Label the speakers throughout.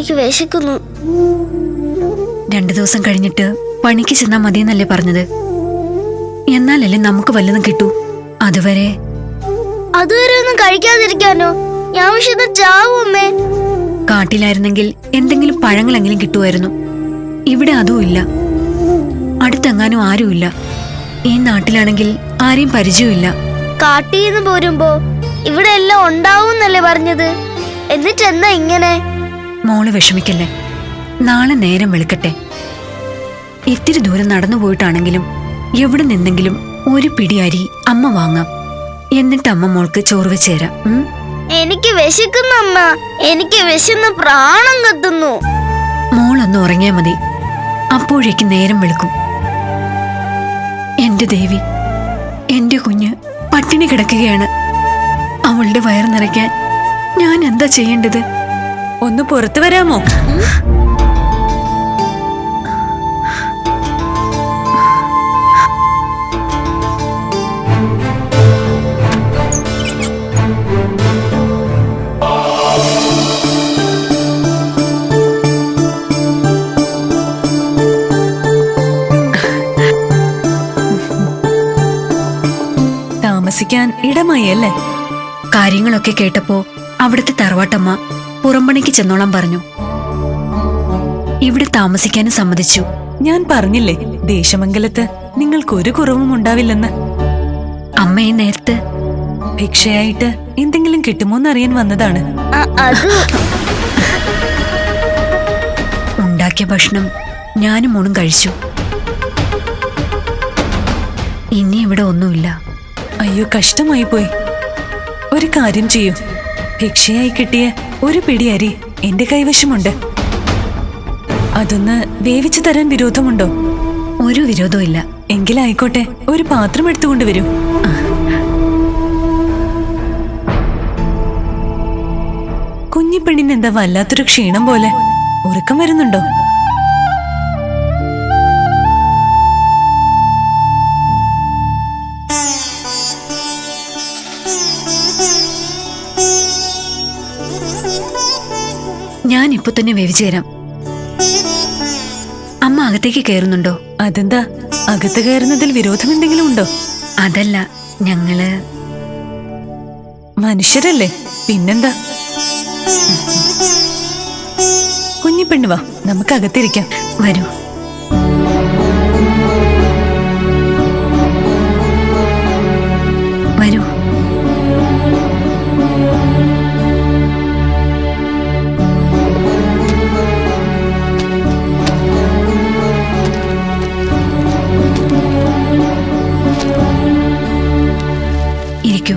Speaker 1: എനിക്ക് വിശക്കുന്നു.
Speaker 2: 2 ദിവസം കഴിഞ്ഞിട്ട് പണിക്ക് ചെന്നാ മതിയെന്നല്ലേ പറഞ്ഞത്? എന്നാലല്ലേ നമുക്ക് വല്ലതും കിട്ടൂ. അതുവരെ
Speaker 1: ഒന്നും കഴിക്കാതിരിക്കാനോ? ഞാൻ വിശന്ന് ചാവും അമ്മേ.
Speaker 2: കാട്ടിലായിരുന്നെങ്കിൽ എന്തെങ്കിലും പഴങ്ങളെങ്കിലും കിട്ടുമായിരുന്നു. ഇവിടെ അതും ഇല്ല. അടുത്തെങ്ങാനും ആരുമില്ല. ഈ നാട്ടിലാണെങ്കിൽ ആരെയും പരിചയമില്ല.
Speaker 1: കാട്ടിന്ന് പോരുമ്പോ ഇവിടെ എല്ലാം ഉണ്ടാവൂന്നല്ലേ പറഞ്ഞത്? എന്നിട്ടെന്നാ ഇങ്ങനെ?
Speaker 2: മോള് വിഷമിക്കല്ലേ. നാളെ നേരം വെളുക്കട്ടെ. ഇത്തിരി ദൂരം നടന്നു പോയിട്ടാണെങ്കിലും എവിടെ നിന്നെങ്കിലും ഒരു പിടി അരി അമ്മ വാങ്ങാം. എന്നിട്ട് അമ്മ മോൾക്ക് ചോറ് വെച്ചേരാം.
Speaker 1: എനിക്ക് വിശക്കുന്നു അമ്മ. എനിക്ക് വിശന്ന് പ്രാണം കത്തുന്നു.
Speaker 2: മോളൊന്ന് ഉറങ്ങിയാ മതി. അപ്പോഴേക്ക് നേരം വെളുക്കും. എന്റെ ദേവി, എന്റെ കുഞ്ഞ് പട്ടിണി കിടക്കുകയാണ്. അവളുടെ വയർ നിറയ്ക്കാൻ ഞാൻ എന്താ ചെയ്യേണ്ടത്?
Speaker 3: ഒന്ന് പുറത്തു വരാമോ? താമസിക്കാൻ ഇടമായി അല്ലേ?
Speaker 2: കാര്യങ്ങളൊക്കെ കേട്ടപ്പോ അവിടുത്തെ തറവാട്ടമ്മ പുറംപണിക്ക് ചെന്നോളാൻ പറഞ്ഞു. ഇവിടെ താമസിക്കാനും സമ്മതിച്ചു.
Speaker 3: ഞാൻ പറഞ്ഞില്ലേ ദേശമംഗലത്ത് നിങ്ങൾക്കൊരു കുറവും ഉണ്ടാവില്ലെന്ന്.
Speaker 2: അമ്മ ഈ നേരത്ത്
Speaker 3: ഭിക്ഷയായിട്ട് എന്തെങ്കിലും കിട്ടുമോന്നറിയാൻ വന്നതാണ്.
Speaker 2: ഉണ്ടാക്കിയ ഭക്ഷണം ഞാനും മോളും കഴിച്ചു. ഇനി ഇവിടെ ഒന്നുമില്ല.
Speaker 3: അയ്യോ, കഷ്ടമായി പോയി. ഒരു കാര്യം ചെയ്യൂ, ഭിക്ഷയായി കിട്ടിയ ഒരു പിടി അരി എന്റെ കൈവശമുണ്ട്. അതൊന്ന് വേവിച്ചു തരാൻ വിരോധമുണ്ടോ?
Speaker 2: ഒരു വിരോധവും ഇല്ല.
Speaker 3: എങ്കിലായിക്കോട്ടെ, ഒരു പാത്രം എടുത്തുകൊണ്ടുവരൂ. കുഞ്ഞിപ്പെണ്ണിന് എന്താ വല്ലാത്തൊരു ക്ഷീണം പോലെ? ഉറക്കം വരുന്നുണ്ടോ?
Speaker 2: ഞാൻ ഇപ്പൊ തന്നെ വേവിച്ചു തരാം. അമ്മ അകത്തേക്ക് കയറുന്നുണ്ടോ?
Speaker 3: അതെന്താ, അകത്ത് കയറുന്നതിൽ വിരോധം എന്തെങ്കിലും ഉണ്ടോ?
Speaker 2: അതല്ല, ഞങ്ങള്
Speaker 3: മനുഷ്യരല്ലേ, പിന്നെന്താ. കുഞ്ഞിപ്പെണ്ണ് വാ, നമുക്ക് അകത്തിരിക്കാം.
Speaker 2: വരൂ. വരൂ. ഇരിക്കൂ.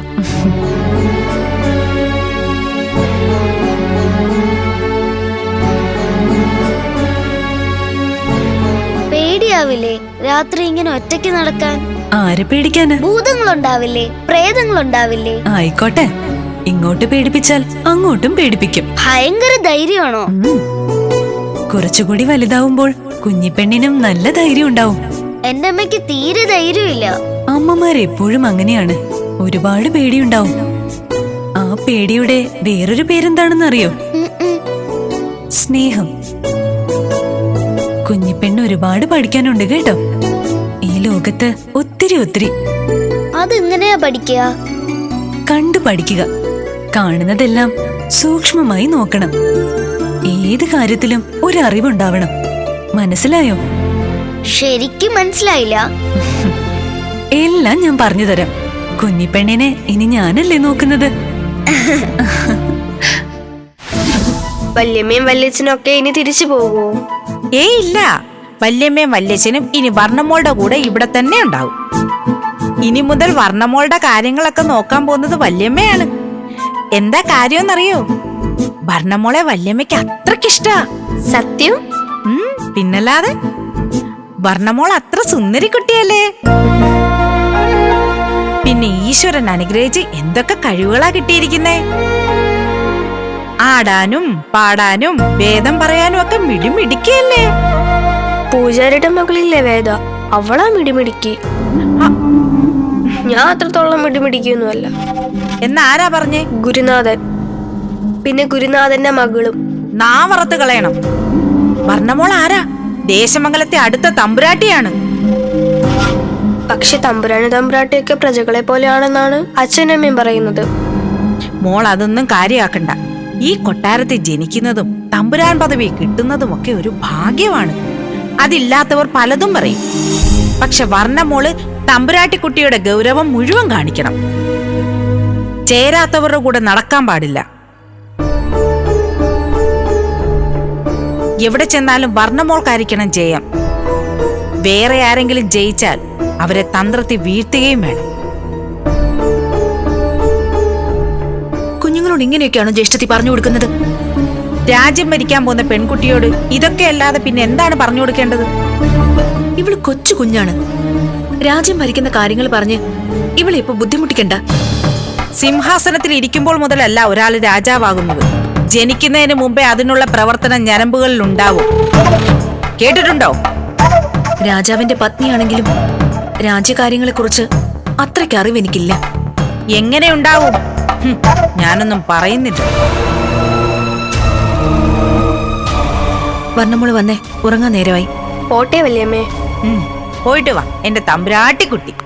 Speaker 1: പേടിയാവില്ലേ രാത്രി ഇങ്ങനെ ഒറ്റയ്ക്ക് നടക്കാൻ?
Speaker 3: ആരെ പേടിക്കാന്?
Speaker 1: ഭൂതങ്ങളുണ്ടാവില്ലേ? പ്രേതങ്ങളുണ്ടാവില്ലേ?
Speaker 3: ആയിക്കോട്ടെ, ഇങ്ങോട്ട് പേടിപ്പിച്ചാൽ അങ്ങോട്ടും പേടിപ്പിക്കും.
Speaker 1: ഭയങ്കര ധൈര്യമാണോ?
Speaker 3: കുറച്ചുകൂടി വലുതാവുമ്പോൾ കുഞ്ഞിപ്പെണ്ണിനും നല്ല ധൈര്യം ഉണ്ടാവും.
Speaker 1: എന്റെ അമ്മയ്ക്ക് തീരെ ധൈര്യമില്ല.
Speaker 3: അമ്മമാരെപ്പോഴും അങ്ങനെയാണ്, ഒരുപാട് പേടിയുണ്ടാവും. ആ പേടിയുടെ വേറൊരു പേരെന്താണെന്നറിയോ? സ്നേഹം. കുഞ്ഞിപ്പെണ്ണ് ഒരുപാട് പഠിക്കാനുണ്ട് കേട്ടോ. ഈ ലോകത്ത് ഒത്തിരി ഒത്തിരി.
Speaker 1: അതെങ്ങനെയാ പഠിക്കുക?
Speaker 3: കണ്ടു പഠിക്കുക. കാണുന്നതെല്ലാം സൂക്ഷ്മമായി നോക്കണം. ഏത് കാര്യത്തിലും ഒരു അറിവുണ്ടാവണം. മനസ്സിലായോ?
Speaker 1: ശരിക്കും മനസ്സിലായില്ല.
Speaker 3: എല്ലാം ഞാൻ പറഞ്ഞു തരാം. കുഞ്ഞിപ്പെണ്ണിനെ ഇനി ഞാനല്ലേ നോക്കുന്നത്.
Speaker 1: വല്യമ്മയും വല്യച്ഛനും ഒക്കെ ഇനി തിരിച്ചു പോകുമോ?
Speaker 4: ഇല്ല, വല്യമ്മയും വല്യച്ഛനും ഇനി വർണ്ണമോളുടെ കൂടെ ഇവിടെ തന്നെ ഉണ്ടാവും. ഇനി മുതൽ വർണ്ണമോളുടെ കാര്യങ്ങളൊക്കെ നോക്കാൻ പോകുന്നത് വല്യമ്മയാണ്. എന്താ കാര്യമെന്നറിയോ? വർണ്ണമോളെ വല്യമ്മയ്ക്ക് അത്രക്കിഷ്ടാ.
Speaker 1: സത്യം?
Speaker 4: പിന്നല്ലാതെ. വർണ്ണമോൾ അത്ര സുന്ദരി കുട്ടിയല്ലേ. പിന്നെ ഈശ്വരൻ അനുഗ്രഹിച്ച് എന്തൊക്കെ കഴിവുകളാ കിട്ടിയിരിക്കുന്നേ. ആടാനും പാടാനും വേദം പറയാനും ഒക്കെ മിടിമിടിക്കല്ലേ.
Speaker 1: പൂജാരിയുടെ മകളില്ലേ വേദ, അവളാ മിടിമിടിക്ക്. ഞാൻ അത്രത്തോളം മിടിമിടിക്കൊന്നുമല്ല.
Speaker 4: എന്നാരാ പറഞ്ഞേ?
Speaker 1: ഗുരുനാഥൻ. പിന്നെ ഗുരുനാഥന്റെ മകളും.
Speaker 4: നാവറത്ത് കളയണം. വർണ്ണമോൾ ആരാ? ദേശമംഗലത്തെ അടുത്ത തമ്പുരാട്ടിയാണ്.
Speaker 5: പക്ഷെ തമ്പുരാട്ടിയൊക്കെ പ്രജകളെ പോലെയാണെന്നാണ് അച്ഛനമ്മയും പറയുന്നത്.
Speaker 4: മോൾ അതൊന്നും കാര്യമാക്കണ്ട. ഈ കൊട്ടാരത്തിൽ ജനിക്കുന്നതും തമ്പുരാൻ പദവി കിട്ടുന്നതുമൊക്കെ ഒരു ഭാഗ്യമാണ്. അതില്ലാത്തവർ പലതും പറയും. പക്ഷെ വർണ്ണമോള് തമ്പുരാട്ടിക്കുട്ടിയുടെ ഗൗരവം മുഴുവൻ കാണിക്കണം. ചേരാത്തവരുടെ കൂടെ നടക്കാൻ പാടില്ല. എവിടെ ചെന്നാലും വർണ്ണമോൾക്കായിരിക്കണം ജയം. വേറെ ആരെങ്കിലും ജയിച്ചാൽ അവരെ തന്ത്രത്തിൽ വീഴ്ത്തുകയും വേണം.
Speaker 6: കുഞ്ഞുങ്ങളോട് ഇങ്ങനെയൊക്കെയാണോ ജ്യേഷ്ഠത്തി പറഞ്ഞു കൊടുക്കുന്നത്?
Speaker 4: രാജ്യം ഭരിക്കാൻ പോകുന്ന പെൺകുട്ടിയോട് ഇതൊക്കെ അല്ലാതെ പിന്നെ എന്താണ് പറഞ്ഞു കൊടുക്കേണ്ടത്?
Speaker 6: ഇവള് കൊച്ചു കുഞ്ഞാണ്. രാജ്യം ഭരിക്കുന്ന കാര്യങ്ങൾ പറഞ്ഞ് ഇവളെ ഇപ്പൊ ബുദ്ധിമുട്ടിക്കണ്ട.
Speaker 4: സിംഹാസനത്തിൽ ഇരിക്കുമ്പോൾ മുതലല്ല ഒരാൾ രാജാവാകുന്നത്. ജനിക്കുന്നതിന് മുമ്പേ അതിനുള്ള പ്രവർത്തനം ഞരമ്പുകളിൽ ഉണ്ടാവും. കേട്ടിട്ടുണ്ടോ?
Speaker 6: രാജാവിന്റെ പത്നിയാണെങ്കിലും രാജ്യകാര്യങ്ങളെക്കുറിച്ച് അത്രയ്ക്ക് അറിവ് എനിക്കില്ല.
Speaker 4: എങ്ങനെ ഉണ്ടാവും? ഞാനൊന്നും പറയുന്നില്ല.
Speaker 6: വർണ്ണമോള് വന്നേ, ഉറങ്ങാൻ നേരമായി.
Speaker 5: പോട്ടെ വല്യമ്മേ.
Speaker 4: പോയിട്ട് വാ എന്റെ തമ്പുരാട്ടിക്കുട്ടി.